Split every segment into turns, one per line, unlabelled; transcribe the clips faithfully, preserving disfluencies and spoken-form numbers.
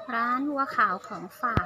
ร้านวัวขาวของฝาก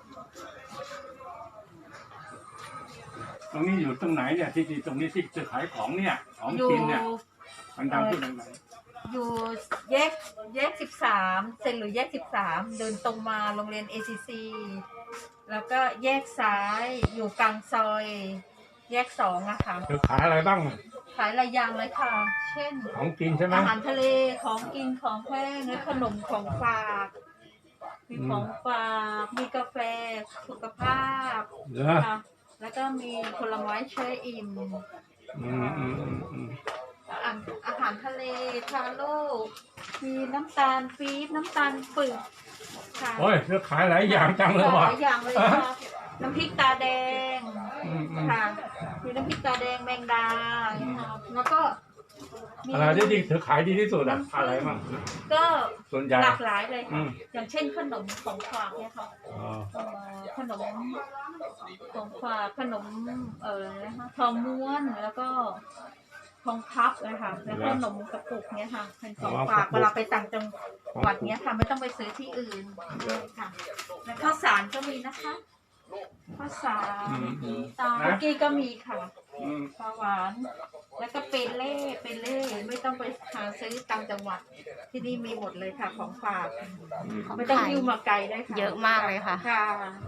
ตรงนี้อยู่ตรงไหนเนี่ยที่ที่ตรงนี้ที่จะขายของเนี่ยของกินเนี่ยดังๆพูดดังๆ
อยู่แยกแยกสิบสามเซ็นหรือแยกสิบสามเดินตรงมาโรงเรียน เอ ซี ซี แล้วก็แยกซ้ายอยู่กลางซอย แยกสองอะค่ะ
เธอขายอะไรบ้าง
ขายหลายอย่างเลยค่ะ เช่น
ของกินใช่ไหม
อาหารทะเลของกินของแห้งและขนมของฝากมีของฝากมีกาแฟสุขภาพ
เหรอ
ค่ะแล้วก็มีผลไม้เชยอิ่ม
อืมอืมอืมอืม
อาอาหารทะเลทาโร่มีน้ำตาลปี๊บน้ำตาลปึกค่ะ
โอ้ยเธอขายหลายอย่างจังเลย
ห
ว่ะ
ลายอย่างเลยค่ะน้ำพริกตาแดง
อืมอืม
ค่ะมีน้ำพริกตาแดงแมงดาค่ะแล้วก็มี
อะไรที่ที่เธอขายดีที่สุดอะอะไรบ้าง
ก็
ส่วนใหญ่
หลากหลายเลย
อื
ค่ะ
ม
อย่างเช่นขนมของฝากเนี่ยค่ะ
อ๋อ
เอ่อขนมของฝากขนมเอ่อนะคะทองม้วนแล้วก็ทองพับนะคะแล้วก็ขนมกระปุกเนี้ยค่ะเป็นของฝากเวลาไปต่างจังหวัดเนี้ยค่ะไม่ต้องไปซื้อที่อื่นค่ะแล้วข้าวสารก็มีนะคะข้าวสารตาคุกกี้ก็มีค่ะ
อืม
ปลาหวานแล้วก็เปเล่เปเล่ไม่ต้องไปหาซื้อตามจังหวัดที่นี่มีหมดเลยค่ะของฝาก
ของ
ไม่ต้อง
ขาย
หิ้วมาไกลได้ค่ะ
เยอะมากเลยค่ะ
ค่ะ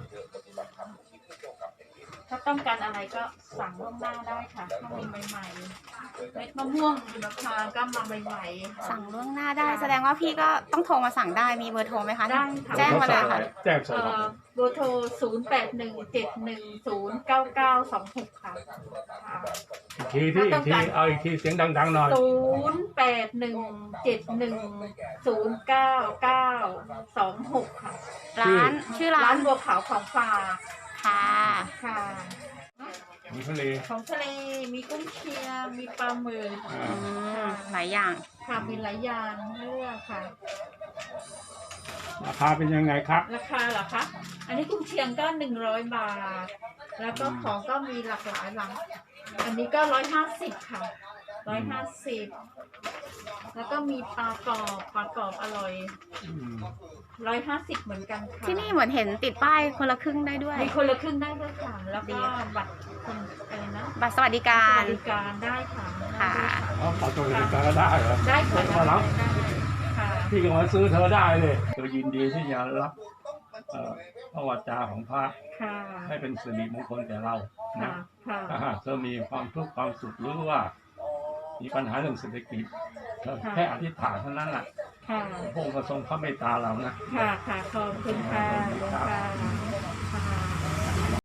ถ้าต้องการอะไรก็สั่งล่วงหน้าได้ค่ะถ้ามีใหม่ๆเม็ดมะม่วงหิมพานต์ก็มาใหม่ๆ
สั่งล่วงหน้าได้ แสดงว่าพี่ก็ต้องโทรมาสั่งได้มีเบอร์โทรไหมคะ
ได้ค่ะ
แจ้งมาเลยค่ะ
แจ้งส่ง
เอ่
มา
อเบอร์โทรศูนย์ แปด หนึ่ง เจ็ด หนึ่ง ศูนย์ เก้า เก้า สอง หกค่ะค่ะ
อีกทีที่อีกทีเอาอีกทีเสียงดังๆหน่อย
ศูนย์ แปด หนึ่ง เจ็ด หนึ่ง ศูนย์ เก้า เก้า สอง หกค่ะ
ร้านชื่อร้า
ร้าน นบัวขาวของฝาก
ค่ะ
ค่ะ
มีทะเล
ของทะเลมีกุ้งเชียงมีปลาหมึก
อ่า
อืมหลายอย่าง
ค่ะมีหลายอย่างให้เลือกค่ะ
ราคาเป็นยังไงครับ
ราคาเหรอคะ อันนี้กุ้งเชียงก็หนึ่งร้อยบาท แล้วก็ของก็มีหลากหลายหลัง อันนี้ก็ร้อยห้าสิบค่ะร้อยห้าสิบแล้วก็มีปลากรอบปลากรอบอร่อย
อืม
ร้อยห้าสิบเหมือนกันค่ะ
ที่นี่เหมือนเห็นติดป้ายคนละครึ่งได้ด้วย
มีคนละครึ่งได้ด้วยค่ะ แล้ว
ดี
ก็
ค่ะ
บัตรคนอะไรนะ
บัตรสวัสดิ
ส
การ
วัสดิการได้ค่ะ
ค่ะ
อ๋อขอตัวเองก็ได้เหรอ
ได้ค่ะ
มารับ
ได้ค่ะ
พี่ก็มาซื้อเธอได้เลยเธอยินดีที่จะรับเอ่อพระวจาของพระ
ค่ะ
ให้เป็นสิริมงคลแก่เรา
ค่ะ
นะ
ค่ะ
ถ้าหากเธอมีความทุกข์ความสุขหรือว่า มีปัญหาเรื่องเศรษฐกิจเธอแค่อธิษฐานเท่านั้นแหละ
ค่ะ
พระองค์ก็ทรงพระเมตตาเรานะ
ค่ะ ค่ะ ขอบคุณค่ะ